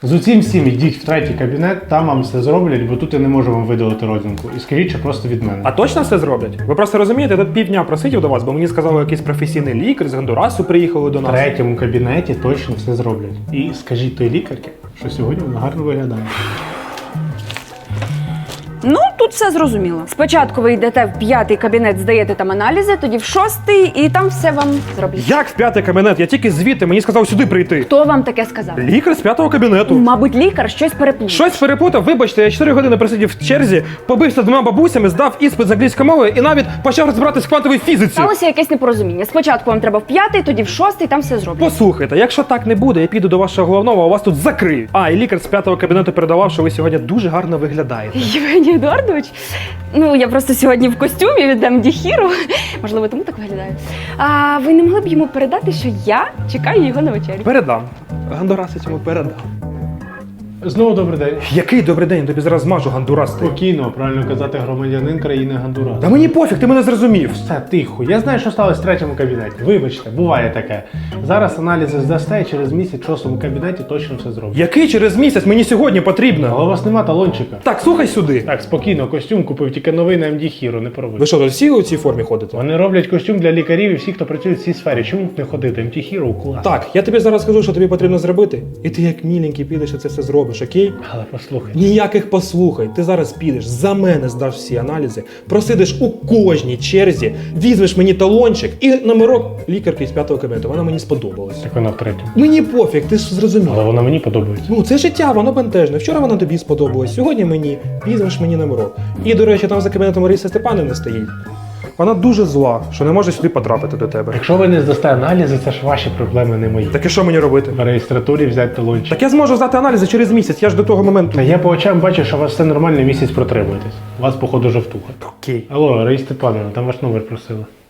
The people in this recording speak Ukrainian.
З усім всім ідіть в третій кабінет, там вам все зроблять, бо тут я не можу вам видалити родинку. І скажіть, що просто від мене. А точно все зроблять? Ви просто розумієте, я тут півдня просидів до вас, бо мені сказали, якийсь професійний лікар з Гондурасу приїхали до В нас. третьому кабінеті точно все зроблять. І скажіть той лікарці, що сьогодні вона гарно виглядає. Ну, тут все зрозуміло. Спочатку ви йдете в 5-й кабінет, здаєте там аналізи, тоді в 6-й, і там все вам зроблять. Як в 5-й кабінет? Я тільки звідти, мені сказав сюди прийти. Хто вам таке сказав? Лікар з 5-го кабінету. Мабуть, лікар щось переплутав. Щось перепутав, вибачте, я 4 години просидів в черзі, побився з 2 бабусями, здав іспит з англійської мови і навіть почав розбиратись в квантовій фізиці. Сталося якесь непорозуміння. Спочатку вам треба в 5-й, тоді в 6-й, там все зроблять. Послухайте, якщо так не буде, я піду до вашого головного, а вас тут закриють. А, і лікар з 5-го кабінету передавав, що ви сьогодні дуже гарно виглядаєте. Євгеній Едуардович, ну я просто сьогодні в костюмі від М. Діхіру. Можливо, тому так виглядаю. А ви не могли б йому передати, що я чекаю його на вечерю? Передам. Гондурасець йому передам. Знову добрий день. Який добрий день, тобі зараз змажу, Гондурас ти. Спокійно, правильно казати, громадянин країни Гондурас. Та мені пофіг, ти мене зрозумів. Все, тихо. Я знаю, що сталося в третьому кабінеті. Вибачте, буває таке. Зараз аналізи здасте, і через місяць в 6-му кабінеті точно все зроблять. Який через місяць? Мені сьогодні потрібно. Але у вас нема талончика. Так, слухай сюди. Так, спокійно, костюм купив, тільки новий на МД Hero, не проводь. Ви що, тут всі у цій формі ходите? Вони роблять костюм для лікарів і всіх, хто працює в цій сфері. Чому тут не ходити? МД Hero клас. Так, я тобі зараз скажу, що тобі потрібно зробити. І ти як міленький підеш і це все зробиш, окей? Але послухай. Ніяких послухай. Ти зараз підеш, за мене здаш всі аналізи, просидиш у кожній черзі, візьмеш мені талончик і номерок лікарки з 5-го кабінету. Вона мені сподобалась. Так вона в третьому. Мені пофіг, ти ж зрозумів. Але вона мені подобається. Ну, це життя, воно бентежне. Вчора вона тобі сподобалась, сьогодні мені, візьмеш мені номерок. І, до речі, там за кабінетом Маріса Степанівни стоїть. Вона дуже зла, що не може сюди потрапити до тебе. Якщо ви не здасте аналізи, це ж ваші проблеми, не мої. Так і що мені робити? В реєстратурі взяти талончик. Так я зможу здати аналізи через місяць, я ж до того моменту. Та я по очам бачу, що у вас все нормально, місяць протримуєтесь. У вас, походу, жовтуха. Окей. Алло, Раїса Степановна, там ваш номер просили.